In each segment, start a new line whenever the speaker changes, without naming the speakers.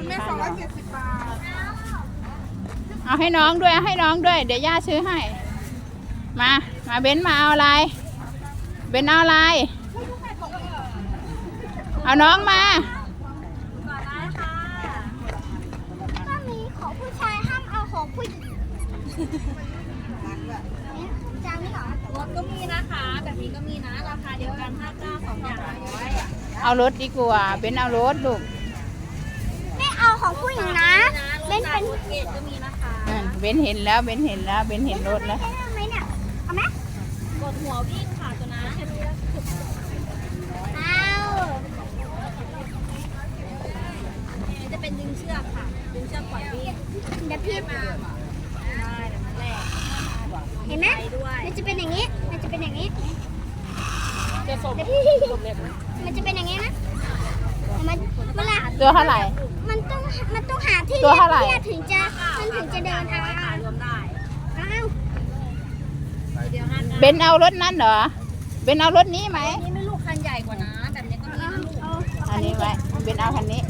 คุณแม่270 บาท
เอาให้น้องด้วยให้น้องด้วยเดี๋ยวย่าซื้อให้มาเบนมาเอาอะไรเบนเอาอะไรเอาน้องมา
ก็มีของผู้ชายห้ามเอาของผู้หญิงจานนี้เหรอรถก็มีนะคะแบบนี้ก็มีนะราคาเดียวกัน59 2 อย่าง100
เอารถดีกว่าเบนเอารถลูก
ไม่เอาของผู้หญิงนะเบนเป็นเกตก็มีนะคะ
เบนเห็นแล้วเบนเห็นรถแล้ว
เอาไหมเนี่ยเอาไหม
กดหัววิ่งค่ะตัวนั้นจะเป็นดึงเชือกค่ะดึงเชือกปล่อยวิ่ง
เดี๋ยวพี่
ได้แบบนั้นแหละ
เห็นไหมมันจะเป็นอย่างนี้มันจะเป็นอย่างนี้
จะส่งเล็ก
มันจะเป็นอย่างนี้นะมันเวลา
ตัวเท่าไหร่
มันต้องหาที่
ตัวเท่าไหร่
ถึงจะเดินทาง
รวมได้
เบนเอารถนั้นเหรอเบนเอารถนี้ไหม
นี่ไม่ลูกคันใหญ่กว่านะแบบนี้ก็มีนะลูก
อันนี้ไว้เบนเอาคันนี้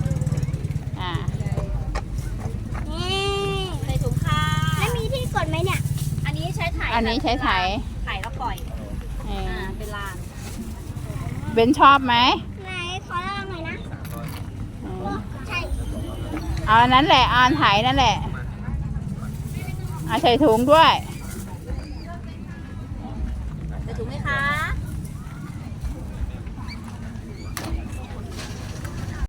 ใส่ถุงค่ะ
แล้วมีที่กดไหมเนี่ย
อันนี้ใช้ถ่ายถ่ายแล้วปล่อยเป็นลาน
เบนชอบไหม
ไหนขอลองหน่อยนะใช่
เอาอันนั้นแหละเอาอันถ่ายนั่นแหละเอาใส่ถุงด้วย